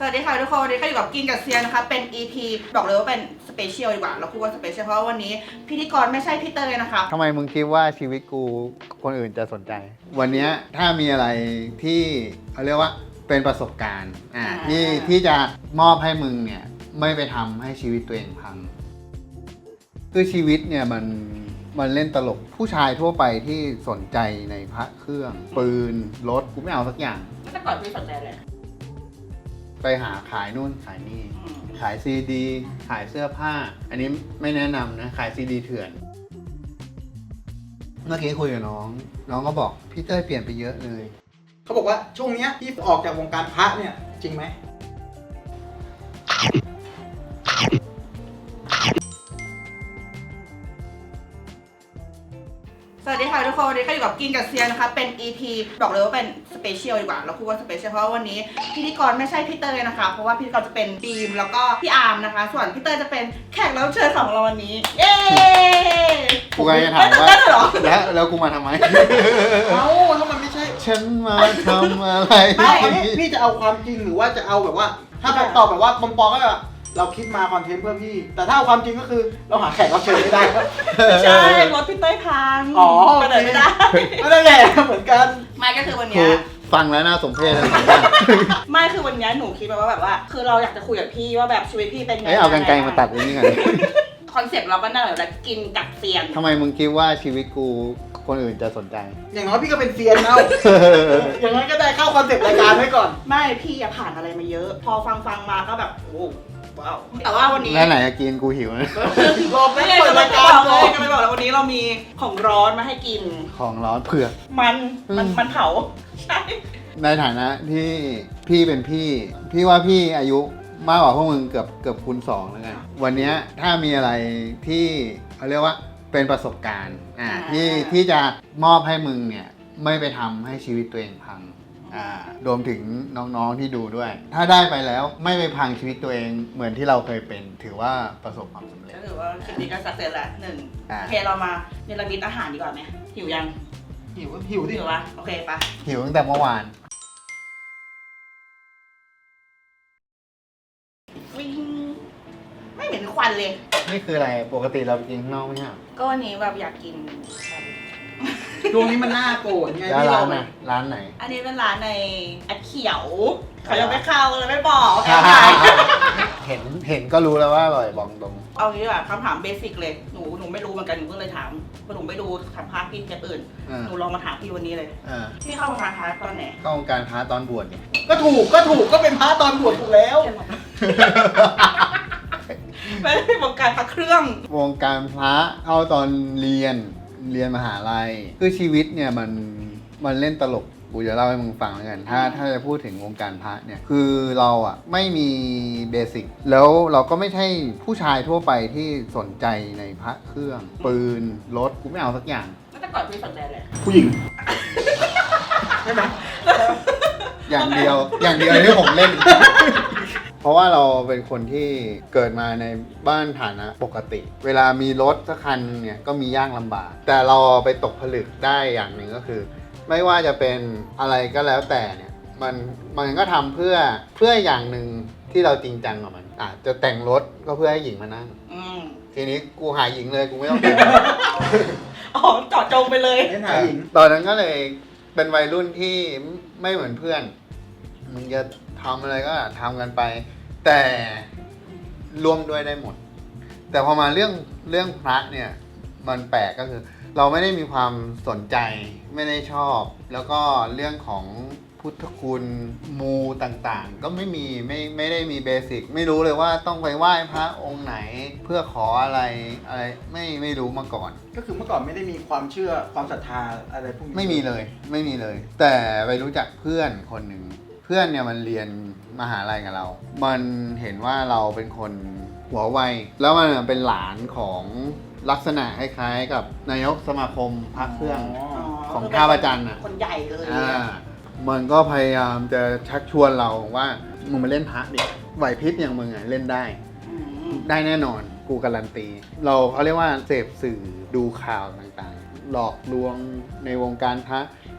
สวัสดีค่ะทุกคนวันนี้ก็อยู่กับกินกับเซียนนะคะเป็น EP บอกเลยว่าเป็นสเปเชียลดีกว่าเราพูดว่าสเปเชียลเพราะวันนี้พิธีกรไม่ใช่พี่เตยนะคะทำไมมึงคิดว่าชีวิตกูคนอื่นจะสนใจ วันนี้ถ้ามีอะไรที่เขาเรียกว่าเป็นประสบการณ์ที่จะมอบให้มึงเนี่ยไม่ไปทำให้ชีวิตตัวเองพังคือชีวิตเนี่ยมันเล่นตลกผู้ชายทั่วไปที่สนใจในพระเครื่องปืนรถกูไม่เอาสักอย่างแต่ก่อนพี่สนใจเลยไปหาขายนู่นขายนี่ขายซีดีขายเสื้อผ้าอันนี้ไม่แนะนำนะขายซีดีเถื่อนเมื่อกี้คุยกับน้องก็บอกพี่เต้ยเปลี่ยนไปเยอะเลยเขาบอกว่าช่วงเนี้ยที่ออกจากวงการพระเนี่ยจริงไหมสวัสดีค่ะทุกคนวันนี้ก็อยู่กับกินกับเซียนนะคะเป็น EP บอกเลยว่าเป็นสเปเชียลดีกว่าเราพูดว่าสเปเชียลเพราะวันนี้พิธีกรไม่ใช่พี่เตยนะคะเพราะว่าพิธีกรจะเป็นบีมแล้วก็พี่อาร์มนะคะส่วนพี่เตยจะเป็นแขกรับเชิญของเราวันนี้เย้กูก็จะถามว่าไม่ตื่นเต้นเหรอแล้วกูมาทำไมเอ้าแล้วมันไม่ใช่ฉันมาทำอะไรไม่พี่จะเอาความจริงหรือว่าจะเอาแบบว่า ถ้าตอบแบบว่าปลอมๆก็แบบเราคิดมาคอนเทนต์เพื่อพี่ แต่ถ้าเอาความจริงก็คือเราหาแขกรับเชิญไม่ได้ครับใช่รถพี่เตยพังอ๋อไปไหนไม่ได้ไม่ได้แหละเหมือนกันไม่ก็คือวันคืเนี้อย ฟังแล้วน่าสมเพชนะไม่คือวันนี้หนูคิดมาว่าแบบว่า คือเราอยากจะคุยกับพี่ว่าแบบชีวิตพี่เป็นไงเอากรรไกรมาตัดตรงนี้ก่อนคอนเซ็ปต์เราก็น่าแบบกินกับเซียนทำไมมึงคิดว่าชีวิตกูคนอื่นจะสนใจอย่างน้อยพี่ก็เป็นเซียนเอาอย่างน้อยก็ได้เข้าคอนเซ็ปต์รายการไว้ก่อนไม่พี่อะผ่านอะไรมาเยอะ พอฟังมาก็แบบโอ้ว้าวแต่ว่าวันนี้แล้วไหนจะกินกูหิวนะรอบไม่แรกเลยเปิดจะไม่รายบการอกเลก่อย นจะไม่บอกแล้ววันนี้เรามีของร้อนมาให้กินของร้อนเผือกมันเผาใช่ในฐานะที่พี่เป็นพี่ว่าพี่อายุมากกว่าพวกมึงเกือบคูณ2แล้วกันวันนี้ถ้ามีอะไรที่เขาเรียกว่าเป็นประสบการณ์ที่จะมอบให้มึงเนี่ยไม่ไปทำให้ชีวิตตัวเองพังรวมถึงน้องๆที่ดูด้วย ถ้าได้ไปแล้วไม่ไปพังชีวิตตัวเองเหมือนที่เราเคยเป็นถือว่าประสบความสำเร็จก็ถือว่าคลิปนี้ก็สักเซสละหนึ่งอ่าโอเคเรามาเนรมิตอาหารดีกว่าไหมหิวยังหิวดิหิวปะโอเคปะหิวตั้งแต่เมื่อวานวิ่งไม่เห็นควันเลยนี่คืออะไรปกติเราไปกินข้างนอกไม่ใช่เหรอก็วันนี้แบบอยากกินช่วงนี้มันน่าโกรธไงแล้วที่ร้าเรานไหนร้านไหนอันนี้เป็นร้านในแอดเขียวเขายังไม่เข้าเลยไม่บอกแอดเห็นก็รู้แล้วว่าอร่อยบอกตรงเอางี้ดีกว่าคำถามเบสิกเลยหนูไม่รู้เหมือนกันหนูก็เลยถามเพราะหนูไม่ดูสัมภาษณ์พี่เทปอื่น หนูลองมาถามพี่วันนี้เลย พี่เข้าวงการพาร์ทตอนไหนเข้าวงการค้าตอนบวชเนี่ยก็ถูกก็เป็นพระตอนบวชถูกแล้วไม่ได้วงการพระเครื่องวงการพระเข้าตอนเรียนมหาลัยคือชีวิตเนี่ยมันเล่นตลกกูจะเล่าให้มึงฟังแล้วกันถ้าจะพูดถึงวงการพระเนี่ยคือเราอ่ะไม่มีเบสิกแล้วเราก็ไม่ใช่ผู้ชายทั่วไปที่สนใจในพระเครื่องปืนรถกูไม่เอาสักอย่างแต่ก่อนพี่สนใจเลยผู้หญิงใช่ไหมอย่างเดียวที่ผมเล่น เพราะว่าเราเป็นคนที่เกิดมาในบ้านฐานะปกติ เวลามีรถสักคันเนี่ยก็มียากลำบาก แต่เราไปตกผลึกได้อย่างหนึ่งก็คือ ไม่ว่าจะเป็นอะไรก็แล้วแต่เนี่ยมันก็ทำเพื่ออย่างหนึ่งที่เราจริงจังกับมันจะแต่งรถก็เพื่อให้หญิงมานั่งทีนี้กูหาหญิงเลยกูไม่ต้องแต่งอ๋อเจาะจงไปเลยเล่นหาหญิงตอนนั้นก็เลยเป็นวัยรุ่นที่ไม่เหมือนเพื่อนมึงจะทำอะไรก็ทำกันไป แต่ร่วมด้วยได้หมด แต่พอมาเรื่องพระเนี่ยมันแปลกก็คือ เราไม่ได้มีความสนใจไม่ได้ชอบ แล้วก็เรื่องของพุทธคุณมูต่างๆ ก็ไม่ได้มีเบสิกไม่รู้เลยว่าต้องไปไหว้พระองค์ไหนเพื่อขออะไรไม่รู้มาก่อนก็คือเมื่อก่อนไม่ได้มีความเชื่อความศรัทธาอะไรพวกนี้ไม่มีเลย แต่ไปรู้จักเพื่อนคนหนึ่งเพื่อนเนี่ยมันเรียนมหาลัยกับเรา มันเห็นว่าเราเป็นคนหัวไวแล้วมันเป็นหลานของลักษณะคล้ายๆกับนายกสมาคมพระเครื่อง ของท่าประจันทร์อ่ะคนใหญ่เลยมันก็พยายามจะชักชวนเราว่ามึงมาเล่นพระดิไหวพริบอย่างมึงอ่ะเล่นได้แน่นอนกูการันตีเขาเรียกว่าเสพสื่อดูข่าวต่างๆ หลอกลวงในวงการพระ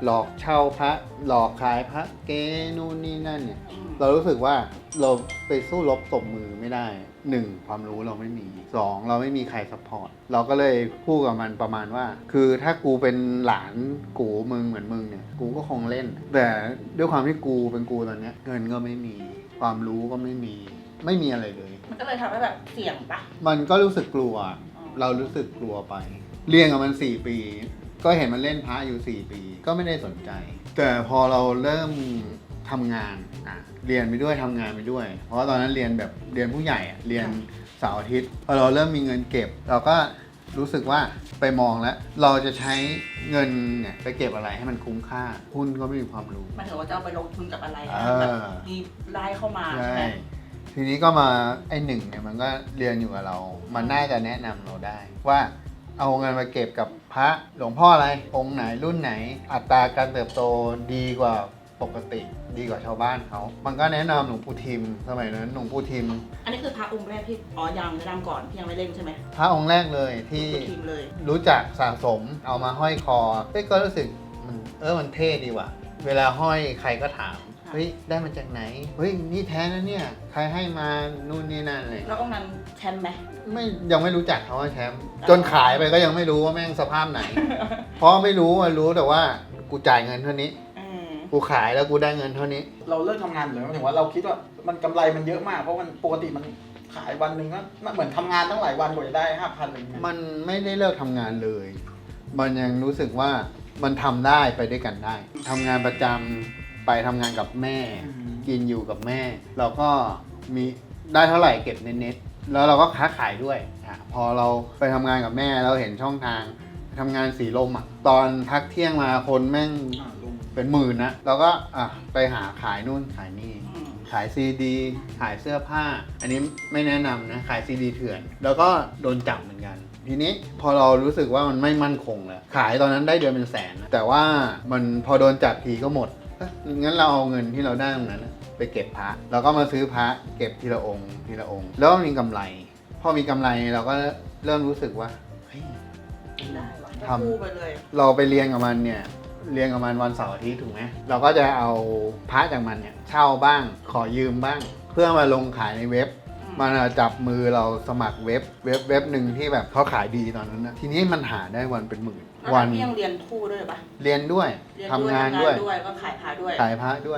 หลอกเช่าพระหลอกขายพระเก๊นู่นนี่นั่นเนี่ยเรารู้สึกว่าเราไปสู้รบตบมือไม่ได้หนึ่งความรู้เราไม่มีสองเราไม่มีใครซัพพอร์ตเราก็เลยพูดกับมันประมาณว่า คือถ้ากูเป็นหลานกูมึงเหมือนมึงเนี่ยกูก็คงเล่น แต่ด้วยความที่กูเป็นกูตอนเนี้ยเงินก็ไม่มีความรู้ก็ไม่มีอะไรเลยมันก็เลยทำให้แบบเสี่ยงปะมันก็รู้สึกกลัว เรารู้สึกกลัวไป เรียนกับมัน4 ปี ก็เห็นมันเล่นพระอยู่4 ปี ก็ไม่ได้สนใจ แต่พอเราเริ่มทำงานเรียนไปด้วยทำงานไปด้วย เพราะว่าตอนนั้นเรียนแบบเรียนผู้ใหญ่เรียนเสาร์อาทิตย์ พอเราเริ่มมีเงินเก็บ เราก็รู้สึกว่าไปมองแล้ว เราจะใช้เงินเนี่ยไปเก็บอะไรให้มันคุ้มค่า หุ้นก็ไม่มีความรู้มันถือว่าจะเอาไปลงทุนกับอะไรเออแบบมีรายเข้ามาใช่ไหมทีนี้ก็มาไอ้หนึ่งเนี่ยมันก็เรียนอยู่กับเรา มันน่าจะแนะนำเราได้ ว่าเอาเงินมาเก็บกับพระหลวงพ่ออะไรองค์ไหนรุ่นไหน อัตราการเติบโตดีกว่าปกติ ดีกว่าชาวบ้านเขา มันก็แนะนำหลวงปู่ทิมสมัยนั้นหลวงปู่ทิมอันนี้คือพระองค์แรกที่ยังแนะนำก่อนพี่ยังไม่เล่นใช่ไหมพระองค์แรกเลยที่หลวงปู่ทิมเลยรู้จักสะสมเอามาห้อยคอก็รู้สึกมันเท่ดีว่ะ เวลาห้อยใครก็ถามเฮ้ยได้มาจากไหนเฮ้ยนี่แท้นะเนี่ยใครให้มานู่นนี่นั่นเลยแล้วองค์นั้นแชมป์ไหมยังไม่รู้จักเขาว่าแชมป์จนขายไปก็ยังไม่รู้ว่าแม่งสภาพไหน เพราะไม่รู้แต่ว่ากูจ่ายเงินเท่านี้กูขายแล้วกูได้เงินเท่านี้เราเลิกทำงานเลยหมายถึงว่าเราคิดว่ามันกำไรมันเยอะมากเพราะมันปกติมันขายวันหนึ่งก็เหมือนทำงานตั้งหลายวันกว่าจะได้ 5,000อะไรเงี้ยมันไม่ได้เลิกทำงานเลย มันยังรู้สึกว่ามันทำได้ไปด้วยกันได้ทำงานประจำไปทำงานกับแม่ กินอยู่กับแม่ เราก็มีได้เท่าไหร่เก็บเน็ตๆแล้วเราก็ค้าขายด้วยพอเราไปทำงานกับแม่เราเห็นช่องทางทำงานสีลมตอนพักเที่ยงมาคนแม่งเป็นหมื่นนะเราก็ไปหาขายนู่นขายนี่ขายซีดีขายเสื้อผ้า อันนี้ไม่แนะนำนะขายซีดีเถื่อนแล้วก็โดนจับเหมือนกัน ทีนี้พอเรารู้สึกว่ามันไม่มั่นคงแล้วขายตอนนั้นได้เดือนเป็นแสนแต่ว่ามันพอโดนจับทีก็หมดงั้นเราเอาเงินที่เราได้ตรงนั้นไปเก็บพระแล้วก็มาซื้อพระเก็บทีละองค์ทีละองค์แล้วมีกำไรพอมีกำไรเราก็เริ่มรู้สึกว่าเฮ้ยได้วะทำคู่ไปเลยเราไปเรียนกับมันเนี่ยเรียนกับมันวันเสาร์อาทิตย์ถูกไหมเราก็จะเอาพระจากมันเนี่ยเช่าบ้างขอยืมบ้าง เพื่อมาลงขายในเว็บมันจับมือเราสมัครเว็บหนึ่งที่แบบเขาขายดีตอนนั้นนะทีนี้มันหาได้วันเป็นหมื่นวันพี่ยังเรียนคู่ด้วยปะเรียนด้วยเรียนทำงานด้วยก็ขายพาด้วยขายพระด้วย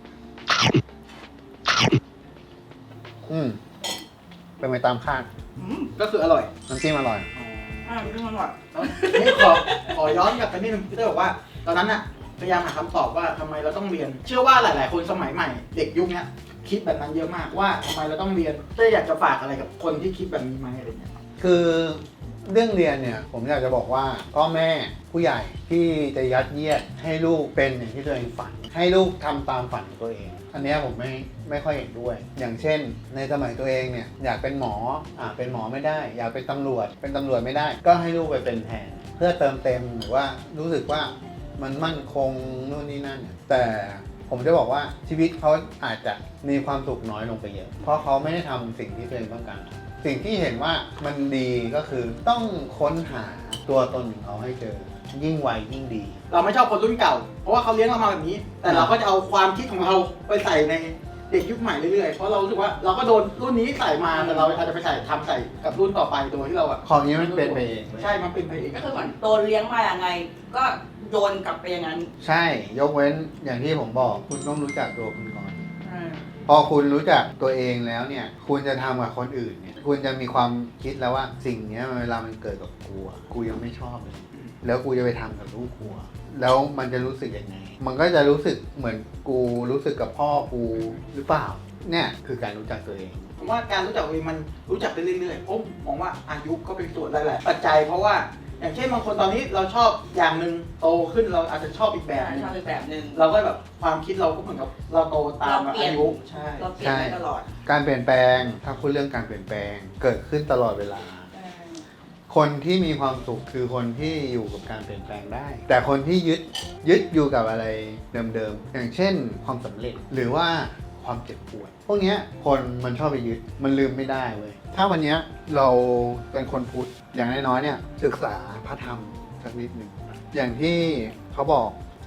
เป็นไปตามคาดก็คืออร่อยน้ำจิ้มอร่อยเรื่องมันหมดนี่ขอย้อนกลับไปนิดนึงพี่เต้บอกว่า ตอนนั้นน่ะพยายามหาคำตอบว่าทำไมเราต้องเรียน เชื่อว่าหลาย ๆ คนสมัยใหม่เด็กยุคนี้คิดแบบนั้นเยอะมากว่าทำไมเราต้องเรียนเต้อยากจะฝากอะไรกับคนที่คิดแบบนี้ไหมอะไรเงี้ยคือเรื่องเรียนเนี่ยผมอยากจะบอกว่าพ่อแม่ผู้ใหญ่ที่จะยัดเยียดให้ลูกเป็นอย่างที่ตัวเองฝัน ให้ลูกทำตามฝันของตัวเอง อันเนี้ยผมไม่ค่อยเห็นด้วย อย่างเช่น ในสมัยตัวเองเนี่ยอยากเป็นหมอเป็นหมอไม่ได้ อยากเป็นตำรวจไม่ได้ ก็ให้ลูกไปเป็นแทนเพื่อเติมเต็มหรือว่ารู้สึกว่ามันมั่นคงนู่นนี่นั่นแต่ผมจะบอกว่าชีวิตเขาอาจจะมีความสุขน้อยลงไปเยอะ เพราะเขาไม่ได้ทำสิ่งที่ตัวเองต้องการสิ่งที่เห็นว่ามันดีก็คือต้องค้นหาตัวตนของเขาให้เจอยิ่งไวยิ่งดีเราไม่ชอบคนรุ่นเก่า เพราะว่าเขาเลี้ยงเรามาแบบนี้ แต่เราก็จะเอาความคิดของเราไปใส่ในเด็กยุคใหม่เรื่อยๆ เพราะเรารู้สึกว่าเราก็โดนรุ่นนี้ใส่มาแต่เราอาจจะไปใส่กับรุ่นต่อไปโดยที่เราอะของนี้มันเป็นไปเองเว้ยใช่มันเป็นไปเองก็คือเหมือนโดนเลี้ยงมาอย่างไง ก็โยนกลับไปอย่างนั้นใช่ยกเว้นอย่างที่ผมบอกคุณต้องรู้จักตัวคุณก่อน พอคุณรู้จักตัวเองแล้วเนี่ยคุณจะทำกับคนอื่นเนี่ยคุณจะมีความคิดแล้วว่าสิ่งนี้เวลามันเกิดกับกูยังไม่ชอบเลยแล้วกูจะไปทำกับลูกกูแล้วมันจะรู้สึกยังไงมันก็จะรู้สึกเหมือนกูรู้สึกกับพ่อกูหรือเปล่าเนี่ยคือการรู้จักตัวเองผมว่าการรู้จักตัวเองมันรู้จักได้เรื่อยๆผมมองว่าอายุก็เป็นส่วนหลายๆปัจจัยเพราะว่าอย่างเช่นบางคนตอนนี้เราชอบอย่างหนึ่งโตขึ้นเราอาจจะชอบอีกแบบนึงชอบอีกแบบนึงเราก็แบบความคิดเราก็เหมือนกับเราโตตามอายุใช่เราเปลี่ยนได้ตลอดการเปลี่ยนแปลงถ้าพูดเรื่องการเปลี่ยนแปลงเกิดขึ้นตลอดเวลา คนที่มีความสุขคือคนที่อยู่กับการเปลี่ยนแปลงได้ แต่คนที่ยึดอยู่กับอะไรเดิมๆอย่างเช่นความสำเร็จหรือว่าความเจ็บปวดพวกเนี้ยคนมันชอบไปยึดมันลืมไม่ได้เว้ยถ้าวันเนี้ยเราเป็นคนพุทธอย่างน้อยๆเนี่ยศึกษาพระธรรมสักนิดหนึ่งอย่างที่เขาบอก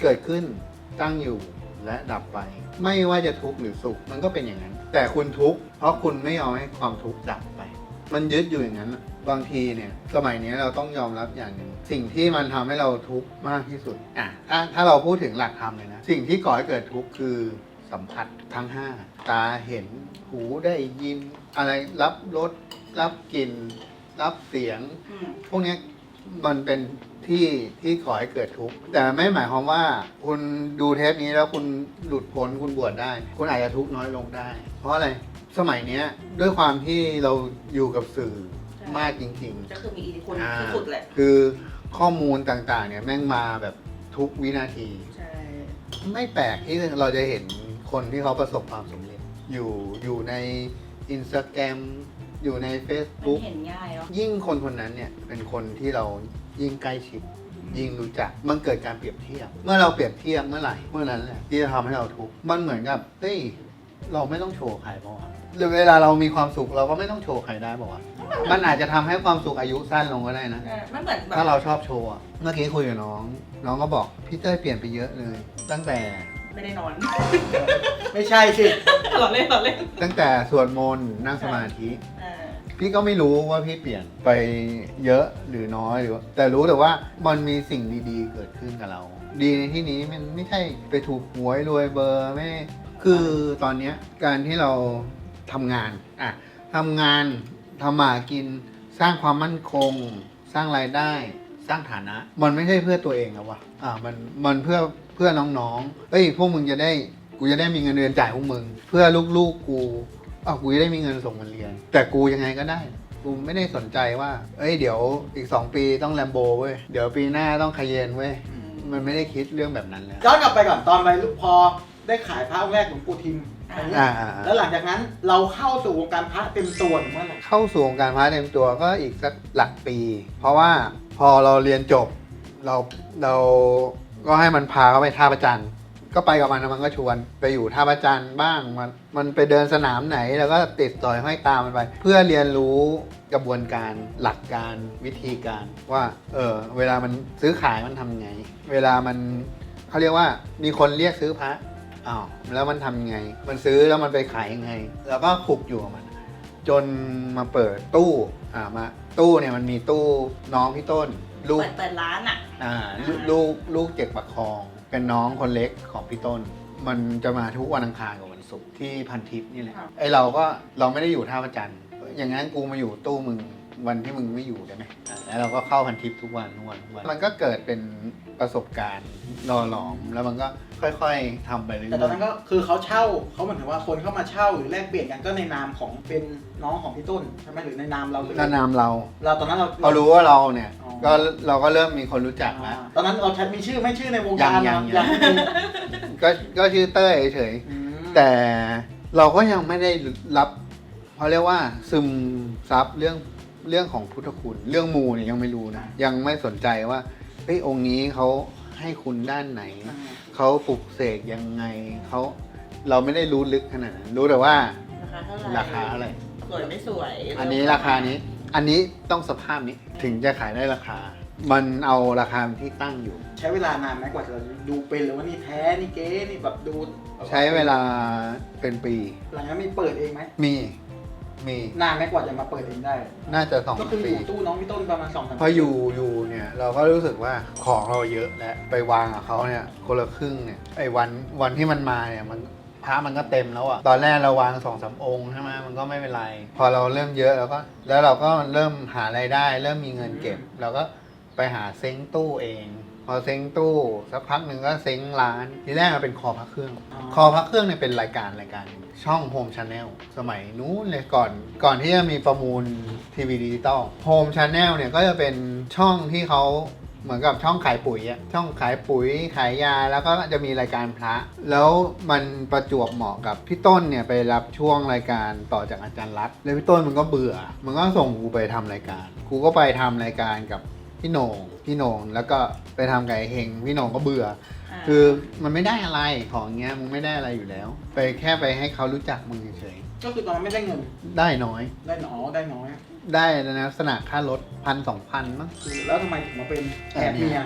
เกิดขึ้นตั้งอยู่และดับไป ไม่ว่าจะทุกข์หรือสุขมันก็เป็นอย่างนั้น แต่คุณทุกข์เพราะคุณไม่ยอมให้ความทุกข์ดับไป มันยึดอยู่อย่างนั้นน่ะบางทีเนี่ยสมัยนี้เราต้องยอมรับอย่างหนึ่งสิ่งที่มันทำให้เราทุกข์มากที่สุดถ้าเราพูดถึงหลักธรรมเลยนะสิ่งที่ก่อให้เกิดทุกข์คือสัมผัสทั้ง5ตาเห็นหูได้ยินอะไรรับรสรับกลิ่นรับเสียง พวกนี้มันเป็นที่ก่อให้เกิดทุกข์แต่ไม่หมายความว่าคุณดูเทปนี้แล้วคุณหลุดพ้นคุณบวชได้ คุณอาจจะทุกข์น้อยลงได้ เพราะอะไรสมัยเนี้ยด้วยความที่เราอยู่กับสื่อมากจริงๆก็คือมีอิทธิพลที่สุดแหละคือข้อมูลต่างๆเนี่ยแม่งมาแบบทุกวินาทีใช่ไม่แปลกที่เราจะเห็นคนที่เขาประสบความสำเร็จอยู่ใน Instagram อยู่ในมัน Facebook เห็นง่ายเนาะยิ่งคนคนนั้นเนี่ยเป็นคนที่เรายิ่งใกล้ชิด ยิ่งรู้จักมันเกิดการเปรียบเทียบ เมื่อเราเปรียบเทียบเมื่อไหร่เมื่อนั้นแหละที่จะทำให้เราทุกข์มันเหมือนกับเฮ้ยเราไม่ต้องโชว์ใครบ้างหรือเวลาเรามีความสุขเราก็ไม่ต้องโชว์ใครได้บอกว่ามันอาจจะทำให้ความสุขอายุสั้นลงก็ได้นะมันเหมือนแบบถ้าเราชอบโชว์อะเมื่อกี้คุยกับน้องก็บอกพี่เต้ยเปลี่ยนไปเยอะเลย ตั้งแต่ไม่ได้นอนไม่ใช่สิหลอเล่นหลอเล่นตั้งแต่สวดมนต์นั่งสมาธิ พี่ก็ไม่รู้ว่าพี่เปลี่ยนไปเยอะหรือน้อยหรือแต่รู้แต่ว่ามันมีสิ่งดีๆเกิดขึ้นกับเรา ดีในที่นี้มันไม่ใช่ไปถูกหวยรวยเบอร์ไม่คือตอนเนี้ยการที่เราทำงานทำงานทำมาหากินสร้างความมั่นคง สร้างรายได้สร้างฐานะ มันไม่ใช่เพื่อตัวเองนะวะมันเพื่อน้องๆเอ้ยพวกมึงจะได้กูจะได้มีเงินเดือนจ่ายพวกมึงเพื่อลูกๆกูกูจะได้มีเงินส่งมันเรียนแต่กูยังไงก็ได้กูไม่ได้สนใจว่าเอ้ยเดี๋ยวอีก2 ปีต้องแลมโบเว้ยเดี๋ยวปีหน้าต้องคาเยนเว้ยมันไม่ได้คิดเรื่องแบบนั้นแล้วย้อนกลับไปก่อนตอนไปพอได้ขายพระองค์แรกหลวงปู่ทิมแล้วหลังจากนั้นเราเข้าสู่วงการพระเต็มตัวเมื่อไหร่เข้าสู่วงการพระเต็มตัวก็อีกสักหลักปี เพราะว่าพอเราเรียนจบเราก็ให้มันพาเขาไปท่าประจันก็ไปกับมันก็ชวนไปอยู่ท่าประจันบ้างมันไปเดินสนามไหนแล้วก็ติดต่อยห้อยตามมันไป เพื่อเรียนรู้กระบวนการหลักการวิธีการว่าเวลามันซื้อขายมันทำไงเวลามันเขาเรียกว่ามีคนเรียกซื้อพระแล้วมันทำยังไงมันซื้อแล้วมันไปขายยังไงแล้วก็คลุกอยู่กับมันจนมาเปิดตู้มาตู้เนี่ยมันมีตู้น้องพี่ต้นลูกเปิดร้านลูกเจ็กประคองเป็นน้องคนเล็กของพี่ต้นมันจะมาทุกวันอังคารกับวันศุกร์ที่พันทิพย์นี่แหละไอเราไม่ได้อยู่ท่าประจันอย่างงั้นกูมาอยู่ตู้มึงวันที่มึงไม่อยู่ได้ไหมแล้วเราก็เข้าพันทิพย์ทุกวันมันก็เกิดเป็นประสบการณ์หล่อหลอมแล้วมันก็ค่อยๆทำไปเรื่อยๆแต่ตอนนั้นก็คือเขาเช่าเขาเหมือนถึงว่าคนเข้ามาเช่าหรือแลกเปลี่ยนกันก็ในนามของเป็นน้องของพี่ต้นใช่ไหมหรือในนามเราเลยในนามเราตอนนั้นเราเขารู้ว่าเราเนี่ยก็เราก็เริ่มมีคนรู้จักแล้วตอนนั้นเรามีชื่อไม่ชื่อในวงการยังๆก็ชื่อเต้ยเฉยๆแต่เราก็ยังไม่ได้รับเขาเรียกว่าซึมซับเรื่องของพุทธคุณเรื่องมูเนี่ยยังไม่รู้นะยังไม่สนใจว่าองค์นี้เขาให้คุณด้านไหนเขาปลุกเสกยังไงเราไม่ได้รู้ลึกขนาดนั้นรู้แต่ว่าราคาเท่าไหร่สวยไม่สวยอันนี้ราคานี้อันนี้ต้องสภาพนี้ถึงจะขายได้ราคามันเอาราคาที่ตั้งอยู่ใช้เวลานานไหมกว่าจะดูเป็นหรือว่านี่แท้นี่เก๊นี่แบบดูใช้เวลาเป็นปีหลังจากนั้นมีเปิดเองไหมมีนานไหมกว่าจะมาเปิดเองได้น่าจะ2 ปีก็คืออยู่ตู้น้องพี่ต้นประมาณ2-3 ปีพออยู่เนี่ยเราก็รู้สึกว่าของเราเยอะและไปวางกับเขาเนี่ยคนละครึ่งเนี่ยไอ้วันที่มันมาเนี่ยมันพระมันก็เต็มแล้วอะตอนแรกเราวาง 2-3 องค์ใช่ไหมมันก็ไม่เป็นไรพอเราเริ่มเยอะแล้วเราก็เริ่มหารายได้เริ่มมีเงินเก็บเราก็ไปหาเซ้งตู้เองพอเซ้งตู้สักพักหนึ่งก็เซ้งร้านทีแรกมันเป็นคอพระเครื่องคอพระเครื่องเนี่ยเป็นรายการช่องโฮมชาแนลสมัยนู้นเลยก่อนที่จะมีประมูลทีวีดิจิตอลโฮมชาแนลเนี่ยก็จะเป็นช่องที่เขาเหมือนกับช่องขายปุ๋ยอะช่องขายปุ๋ยขายยาแล้วก็จะมีรายการพระแล้วมันประจวบเหมาะกับพี่ต้นเนี่ยไปรับช่วงรายการต่อจากอาจารย์รัตน์แล้วพี่ต้นมันก็เบื่อมันก็ส่งกูไปทำรายการกูก็ไปทำรายการกับพี่โหน่งแล้วก็ไปทำไก่เฮงพี่โหน่งก็เบื่อคือมันไม่ได้อะไรของเงี้ยมึงไม่ได้อะไรอยู่แล้วไปแค่ไปให้เขารู้จักมึงเฉยก็คือตอนนั้นไม่ได้เงินได้น้อยได้น้อยได้ในลักษณะค่ารถ1,000-2,000มั้งแล้วทำไมถึงมาเป็นแอบเมีย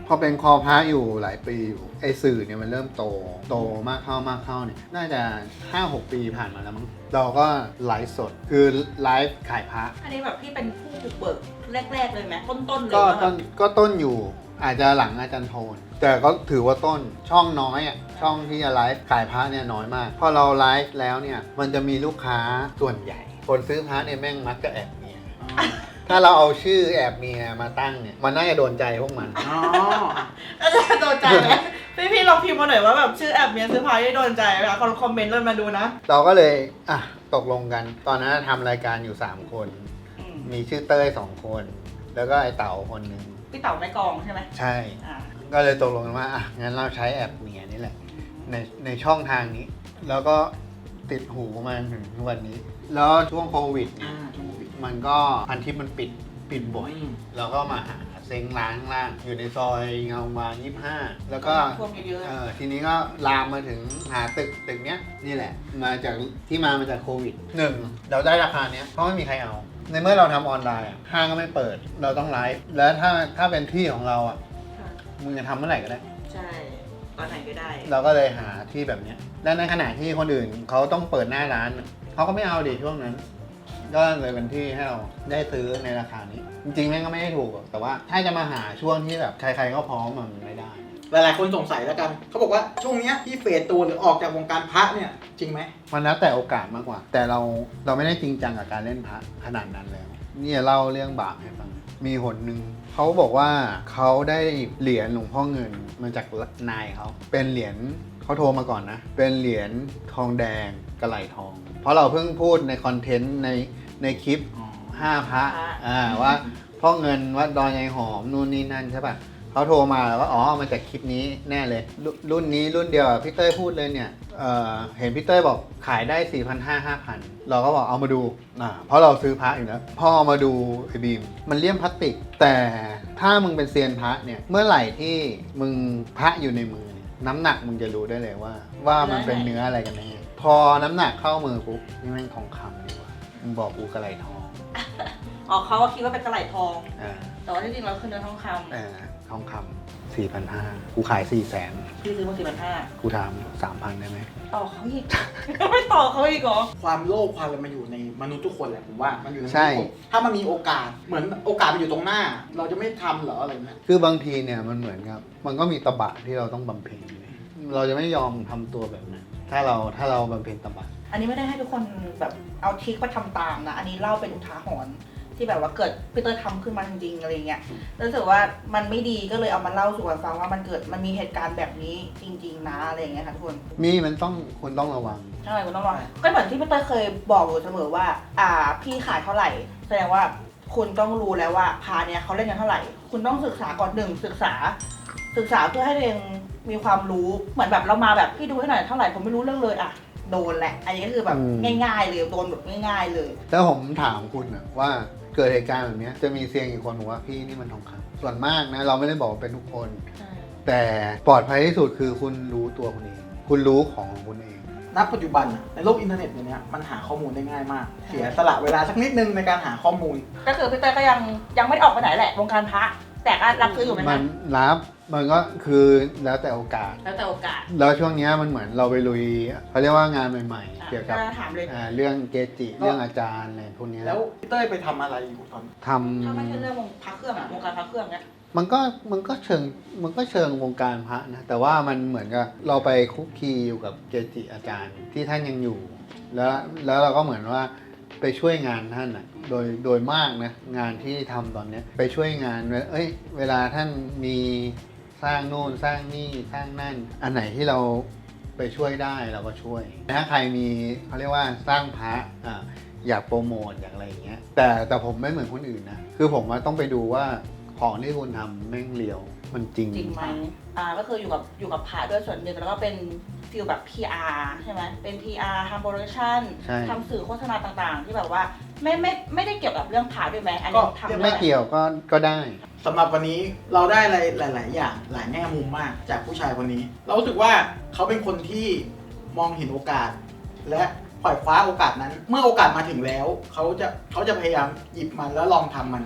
พอเป็นคอพระอยู่หลายปีอยู่ไอสื่อเนี่ยมันเริ่มโตมากเข้าเนี่ยน่าจะ 5-6 ปีผ่านมาแล้วมั้งเราก็ไลฟ์สดคือไลฟ์ขายพระอันนี้แบบพี่เป็นผู้บุกเบิกแรกๆเลยไหมต้นๆเลยก็ว่าแบต้บนก็ต้นอยู่อาจจะหลังอาจารย์โทนแต่ก็ถือว่าต้นช่องน้อยอ่ะช่องที่จะไลฟ์ขายพระเนี่ยน้อยมากพอเราไลฟ์แล้วเนี่ยมันจะมีลูกค้าส่วนใหญ่ คนซื้อพระเนี่ยแม่งมักจะแอบเมียถ้าเราเอาชื่อแอบเมียมาตั้งเนี่ยมันน่าจะโดนใจพวกมันอ๋ออาจารย์โดนใจไหมพี่ลองพิมพ์มาหน่อยว่าแบบชื่อแอบเมียซื้อพายได้โดนใจไหมคะคอมเมนต์เลยมาดูนะเราก็เลยตกลงกันตอนนั้นทำรายการอยู่3 คน มีชื่อเต้ย2 คนแล้วก็ไอเต๋าคนหนึ่งพี่เต๋าแม่กองใช่ไหมใช่อ่าก็เลยตกลงกันว่างั้นเราใช้แอปเมียนี่แหละในช่องทางนี้ แล้วก็ติดหูมาถึงทุกวันนี้ แล้วช่วงโควิดเนี่ยมันก็พันทิปมันปิดบ่อยเราก็มาหาเซ็งร้านข้างล่างอยู่ในซอยเงาวาง25 แล้วก็ท่วมเยอะทีนี้ก็ลามมาถึงหาตึกเนี้ยนี่แหละมาจากมาจากโควิดเราได้ราคาเนี้ยเพราะไม่มีใครเอา ในเมื่อเราทำออนไลน์ห้างก็ไม่เปิดเราต้องไลฟ์แล้วถ้าเป็นที่ของเรามึงจะทำเมื่อไหร่ก็ได้ใช่ตอนไหนก็ได้เราก็เลยหาที่แบบเนี้ยและในขณะที่คนอื่นเขาต้องเปิดหน้าร้านเขาก็ไม่เอาดิช่วงนั้น ก็เลยเป็นที่ให้เราได้ซื้อในราคานี้ จริงๆแม่งก็ไม่ได้ถูกหรอกแต่ว่าถ้าจะมาหาช่วงที่แบบใครๆก็พร้อมมันไม่ได้หลายๆคนสงสัยแล้วกันเขาบอกว่าช่วงเนี้ยที่เฟดตัวหรือออกจากวงการพระเนี่ยจริงไหมมันแล้วแต่โอกาสมากกว่า แต่เราไม่ได้จริงจังกับการเล่นพระขนาดนั้นแล้วนี่เล่าเรื่องบาปให้ฟังมีหนหนึ่งเขาบอกว่าเขาได้เหรียญหลวงพ่อเงินมาจากนายเขาเป็นเหรียญเขาโทรมาก่อนนะเป็นเหรียญทองแดงกระไหลทอง เพราะเราเพิ่งพูดในคอนเทนต์ในคลิป5 พระว่าพ่อเงินวัดดอยยายหอมนู่นนี่นั่นใช่ป่ะเขาโทรมาแล้วก็มาจากคลิปนี้แน่เลยรุ่นนี้รุ่นเดียวกับพี่เต้ยพูดเลยเนี่ยเห็นพี่เต้ยบอกขายได้ 4,500-5,000 เราก็บอกเอามาดูเพราะเราซื้อพระอยู่แล้วพอเอามาดูไอ้บีมมันเลี่ยมพลาสติกแต่ถ้ามึงเป็นเซียนพระเนี่ยเมื่อไหร่ที่มึงพระอยู่ในมือเนี่ยน้ำหนักมึงจะรู้ได้เลยว่ามันเป็นเนื้ออะไรกันแน่พอน้ำหนักเข้ามือปุ๊บนี่แม่งทองคำดีกว่ามึงบอกกูกระไรทองอ๋อเขาก็คิดว่าเป็นกระไหล่ทองอ่าแต่ว่าที่จริงเราคือเนื้อทองคทองคำ 4,500 กูขาย 400,000 ำพี่ซื้อมา4,500 กูถาม 3,000 ได้ไหมต่อเขาอีก ไม่ต่อเขาอีกเหรอความโลภความอะไรมันอยู่ในมนุษย์ทุกคนแหละผมว่ามันอยู่ในใช่ถ้ามันมีโอกาสเหมือนโอกาสมันอยู่ตรงหน้า เราจะไม่ทำเหรออะไรเงี้ยคือบางทีเนี่ยมันเหมือนกับมันก็มีตบะที่เราต้องบำเพ็ญเราจะไม่ยอมทำตัวแบบนั้นถ้าเราบำเพ็ญตบะอันนี้ไม่ได้ให้ทุกคนแบบเอาทริคมาทำตามนะ อันนี้เล่าเป็นอุทาหรณ์ที่แบบว่าเกิดพี่เตอร์ทำขึ้นมาจริงๆอะไรเงี้ยรู้สึกว่ามันไม่ดีก็เลยเอามาเล่าสู่กันฟังว่ามันมีเหตุการณ์แบบนี้จริง ๆ นะอะไรเงี้ยค่ะทุกคนมันต้องคุณต้องระวังใช่คุณต้องรอก็เหมือนที่พี่เตอร์เคยบอกอยู่เสมอว่าพี่ขายเท่าไหร่แสดงว่าคุณต้องรู้แล้วว่าพาเนี่ยเขาเล่นกันเท่าไหร่ คุณต้องศึกษาก่อนศึกษาเพื่อให้ตัวเองมีความรู้เหมือนแบบเรามาแบบพี่ดูให้หน่อยเท่าไหร่ผมไม่รู้เรื่องเลยโดนแหละอันนี้ก็คือแบบง่ายๆเลยโดนแบบง่ายๆเลยแล้วผมถามคุณนะว่าเกิดเหตุการณ์แบบนี้จะมีเซียงกี่คนบอกว่าพี่นี่มันทองคำส่วนมากนะเราไม่ได้บอกว่าเป็นทุกคน แต่ปลอดภัยที่สุดคือคุณรู้ตัวคุณเองคุณรู้ของคุณเองณ ปัจจุบันในโลกอินเทอร์เน็ตเนี่ยมันหาข้อมูลได้ง่ายมาก เสียสละเวลาสักนิดนึงในการหาข้อมูลก็คือพี่เต้ยก็ยังไม่ได้ออกไปไหนแหละวงการพระแต่ก็รับซื้ออยู่ไหมมันะนรับมันก็คือแล้วแต่โอกาสแล้วแต่โอกาสแล้วช่วงนี้มันเหมือนเราไปลุยเขาเรียกว่างานใหม่ๆ เกี่ยวกับถามเลยเรื่องเกจิเรื่องอาจารย์อะไรพวกนี้แล้วพี่เต้ยไปทำอะไรอยู่ตอนทถ้าไม่ใช่เรื่องวงพระเครื่องวงการพระเครื่องเนี่ยำมันก็เชิงวงการพระนะแต่ว่ามันเหมือนกับเราไปคุกคีอยู่กับเกจิอาจารย์ที่ท่านยังอยู่ แล้วเราก็เหมือนว่าไปช่วยงานท่านอ่ะโดยมากนะงานที่ทำตอนเนี้ยไปช่วยงานเวลาท่านมีสร้างโน่นสร้างนี่สร้างนั่นอันไหนที่เราไปช่วยได้เราก็ช่วยถ้าใครมีเขาเรียกว่าสร้างพระอยากโปรโมทอยากอะไรอย่างเงี้ยแต่ผมไม่เหมือนคนอื่นนะคือผมว่าต้องไปดูว่าของที่คุณทำแม่งเลียวมันจริงจริงไหมก็คืออยู่กับพระด้วยส่วนหนึ่งแล้วก็เป็นฟิลแบบ PR ใช่ไหมเป็น PR ทำโปรดักชั่นใช่ทำสื่อโฆษณาต่างๆ ที่แบบว่าไม่ได้เกี่ยวกับเรื่องพระด้วยไหมอันนี้ทำด้ไม่หเกี่ยวก็ได้สำหรับวันนี้เราได้อะไรหลาย ๆ อย่างหลายแง่มุมมากจากผู้ชายคนนี้ เรารู้สึกว่าเขาเป็นคนที่มองเห็นโอกาส และปล่อยคว้าโอกาสนั้น เมื่อโอกาสมาถึงแล้วเขาจะพยายามหยิบมันแล้วลองทำมัน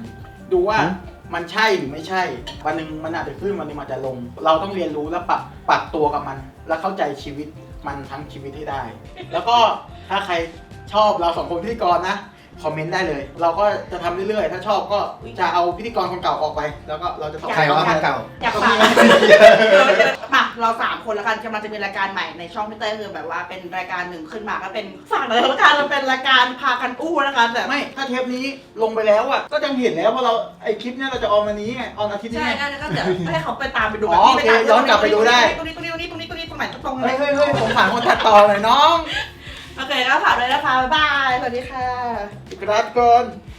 ดูว่ามันใช่หรือไม่ใช่วันหนึ่งมันอาจจะขึ้นวันหนึงมันจะลง เราต้องเรียนรู้แล้วปรับตัวกับมัน แล้วเข้าใจชีวิตมันทั้งชีวิตให้ได้ แล้วก็ถ้าใครชอบเรา2คนพิธีกรนะคอมเมนต์ได้เลย เราก็จะทำเรื่อยๆถ้าชอบก็จะเอาพิธีกรคนเก่าออกไป แล้วก็เราจะใครว่าคนเก่าอยากฝากมาเรา3คนแล้วกันกำลังจะมีรายการใหม่ในช่องพี่เต้คือแบบว่าเป็นรายการหนึ่งขึ้นมาก็เป็นฝากเลยละกันมันเป็นรายการพากันอู้นะคะแต่ไม่ถ้าเทปนี้ลงไปแล้วอ่ะก็ยังเห็นแล้วเพราะเราไอคลิปเนี้ยเราจะออนวันนี้ไงออนอาทิตย์นี้ใช่ไงงั้นก็เดี๋ยวให้เขาไปตามไปดูอ๋อโอเคย้อนกลับไปดูได้ตรงนี้ตรงนี้ตรงนี้ตรงนี้ตรงนี้ตรงไหนตรงไหนเฮ้ยผมถามคนตัดต่อหน่อยน้องโอเคก็ฝากเลยนะคะบ๊ายบายสวัสดีค่ะกราบก่อน